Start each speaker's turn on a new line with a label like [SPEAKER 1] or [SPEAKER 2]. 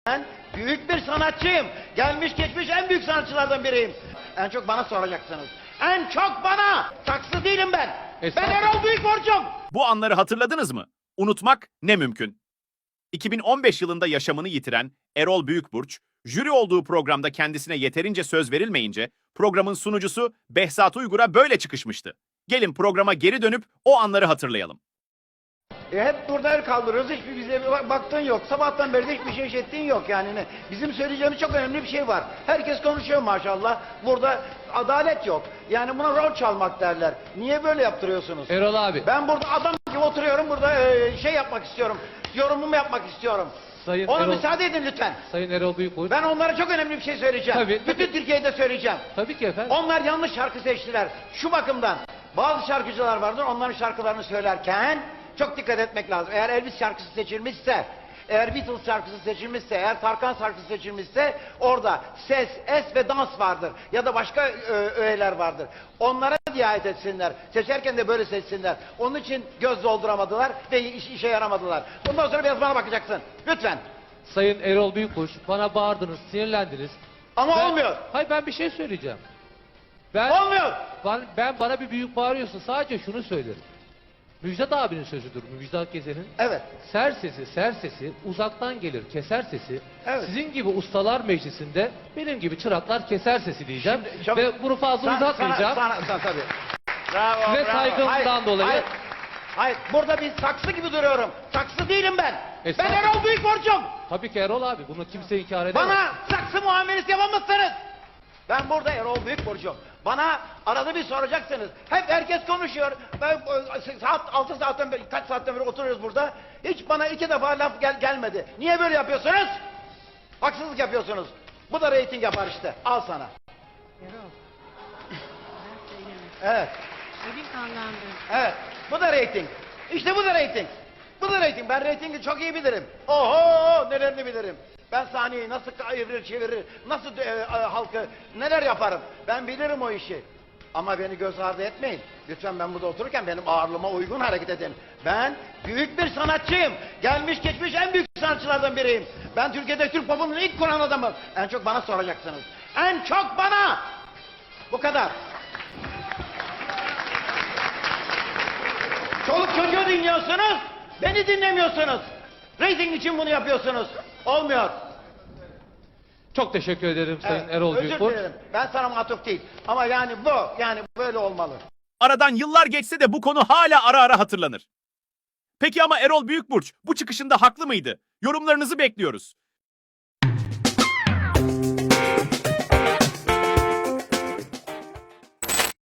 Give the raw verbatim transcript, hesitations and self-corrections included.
[SPEAKER 1] Ben büyük bir sanatçıyım. Gelmiş geçmiş en büyük sanatçılardan biriyim. En çok bana soracaksınız. En çok bana. Saksı değilim ben. Ben Erol Büyükburç'um.
[SPEAKER 2] Bu anları hatırladınız mı? Unutmak ne mümkün. iki bin on beş yılında yaşamını yitiren Erol Büyükburç, jüri olduğu programda kendisine yeterince söz verilmeyince programın sunucusu Behzat Uygur'a böyle çıkışmıştı. Gelin programa geri dönüp o anları hatırlayalım.
[SPEAKER 1] E hep burada el kaldırıyoruz. Hiçbir bize bir baktığın yok. Sabahtan beri de hiçbir şey işlettiğin yok yani. Ne? Bizim söyleyeceğimiz çok önemli bir şey var. Herkes konuşuyor maşallah. Burada adalet yok. Yani buna rol çalmak derler. Niye böyle yaptırıyorsunuz?
[SPEAKER 3] Erol abi.
[SPEAKER 1] Ben burada adam gibi oturuyorum. Burada e, şey yapmak istiyorum. Yorumumu yapmak istiyorum.
[SPEAKER 3] Sayın
[SPEAKER 1] Ona
[SPEAKER 3] Erol,
[SPEAKER 1] müsaade edin lütfen.
[SPEAKER 3] Sayın Erol Büyükburç.
[SPEAKER 1] Ben onlara çok önemli bir şey söyleyeceğim.
[SPEAKER 3] Tabii,
[SPEAKER 1] Bütün
[SPEAKER 3] tabii.
[SPEAKER 1] Türkiye'de söyleyeceğim.
[SPEAKER 3] Tabii ki efendim.
[SPEAKER 1] Onlar yanlış şarkı seçtiler. Şu bakımdan bazı şarkıcılar vardır, onların şarkılarını söylerken çok dikkat etmek lazım. Eğer Elvis şarkısı seçilmişse, eğer Beatles şarkısı seçilmişse, eğer Tarkan şarkısı seçilmişse orada ses, es ve dans vardır. Ya da başka e, öğeler vardır. Onlara riayet etsinler. Seçerken de böyle seçsinler. Onun için göz dolduramadılar ve iş, işe yaramadılar. Bundan sonra biraz bana bakacaksın. Lütfen.
[SPEAKER 3] Sayın Erol Büyükburç, bana bağırdınız, sinirlendiniz.
[SPEAKER 1] Ama
[SPEAKER 3] Ben-
[SPEAKER 1] olmuyor.
[SPEAKER 3] Hayır, ben bir şey söyleyeceğim. Ben,
[SPEAKER 1] Olmuyor.
[SPEAKER 3] ben, ben bana bir büyük bağırıyorsun. Sadece şunu söylerim. Müjdat abinin sözüdür. Müjdat Gezen'in.
[SPEAKER 1] Evet.
[SPEAKER 3] Ser sesi, ser sesi, uzaktan gelir keser sesi.
[SPEAKER 1] Evet.
[SPEAKER 3] Sizin gibi ustalar meclisinde benim gibi çıraklar keser sesi diyeceğim.
[SPEAKER 1] Şimdi çok-
[SPEAKER 3] Ve bunu fazla
[SPEAKER 1] Sana-
[SPEAKER 3] uzatmayacağım.
[SPEAKER 1] Sana, sana, sana, tabii. Bravo,
[SPEAKER 3] Ve
[SPEAKER 1] bravo.
[SPEAKER 3] saygımdan
[SPEAKER 1] Hayır,
[SPEAKER 3] dolayı-
[SPEAKER 1] Hayır, hayır, burada bir saksı gibi duruyorum. Saksı değilim ben. Ben
[SPEAKER 3] Estağfurullah.
[SPEAKER 1] Erol Büyükburç'um.
[SPEAKER 3] Tabii ki Erol abi, bunu kimse inkar edemez.
[SPEAKER 1] Bana saksı muamelesi yapamazsınız. Ben burada Erol Büyükburç'um. Bana arada bir soracaksınız. Hep herkes konuşuyor. Ben e, saat altı saatten beri, kaç saatten beri oturuyoruz burada. Hiç bana iki defa laf gel, gelmedi. Niye böyle yapıyorsunuz? Haksızlık yapıyorsunuz. Bu da reyting yapar işte. Al sana.
[SPEAKER 4] Erol. Ben söylemedim.
[SPEAKER 1] Evet.
[SPEAKER 4] Elim kanlandı.
[SPEAKER 1] Evet. Bu da reyting. İşte bu da reyting. Bu da reyting. Ben reytingi çok iyi bilirim. Oho, nelerini bilirim. Ben sahneyi nasıl evirir çevirir, nasıl e, e, halkı neler yaparım. Ben bilirim o işi. Ama beni göz ardı etmeyin. Lütfen ben burada otururken benim ağırlığıma uygun hareket edin. Ben büyük bir sanatçıyım. Gelmiş geçmiş en büyük sanatçılardan biriyim. Ben Türkiye'de Türk popunun ilk kuran adamım. En çok bana soracaksınız. En çok bana. Bu kadar. Çoluk çocuğu dinliyorsunuz, beni dinlemiyorsunuz. Rating için bunu yapıyorsunuz. Olmuyor.
[SPEAKER 3] Çok teşekkür ederim Sayın
[SPEAKER 1] Evet,
[SPEAKER 3] Erol
[SPEAKER 1] özür
[SPEAKER 3] Büyükburç.
[SPEAKER 1] dilerim. Ben sana matuf değil. Ama yani bu, yani böyle olmalı.
[SPEAKER 2] Aradan yıllar geçse de bu konu hala ara ara hatırlanır. Peki ama Erol Büyükburç bu çıkışında haklı mıydı? Yorumlarınızı bekliyoruz.